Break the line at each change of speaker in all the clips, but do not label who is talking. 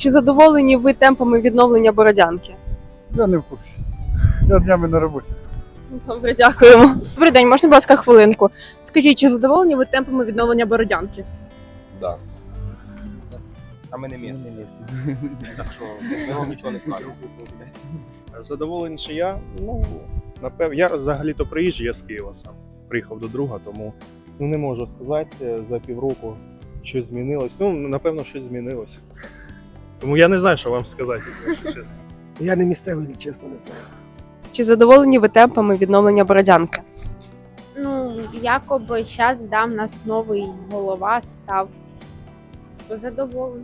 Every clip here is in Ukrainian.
Чи задоволені ви темпами відновлення Бородянки?
Я не в курсі. Я днями на роботі.
Добре, дякуємо. Добрий день, можна, будь ласка, хвилинку? Скажіть, чи задоволені ви темпами відновлення Бородянки?
Да. А ми не місні. Так що ми вам нічого не скажемо.
Задоволений, що я, напевно, я взагалі-то приїжджий, я з Києва сам. Приїхав до друга, тому не можу сказати за півроку щось змінилось. Напевно, щось змінилось. Тому я не знаю, що вам сказати, якщо чесно.
Я не місцевий, чесно не знаю.
Чи задоволені ви темпами відновлення Бородянки?
Якоби зараз нас новий голова став. Задоволений.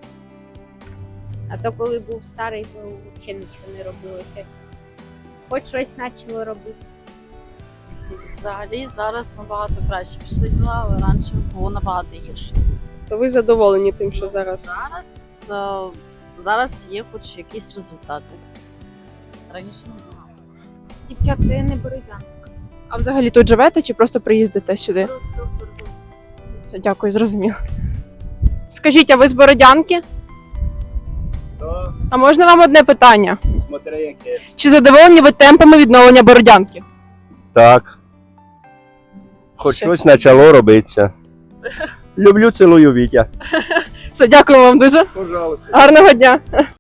А то коли був старий, то взагалі нічого не робилося. Хоч щось почало робитися.
Взагалі зараз набагато краще пішли діла, але раніше було набагато гірше.
То ви задоволені тим, що зараз?
Зараз є хоч якісь результати. Раніше не було.
Дівчатка, я не Бородянська.
А взагалі тут живете чи просто приїздите сюди? Все, дякую, зрозуміло. Скажіть, а ви з Бородянки?
Так,
А можна вам одне питання?
смотри, яке.
Чи задоволені ви темпами відновлення Бородянки?
Так. Хоч
Ще.
щось почало робитися. Люблю, цілую, Вітя.
Все, дякую вам дуже.
Пожалуйста.
Гарного дня.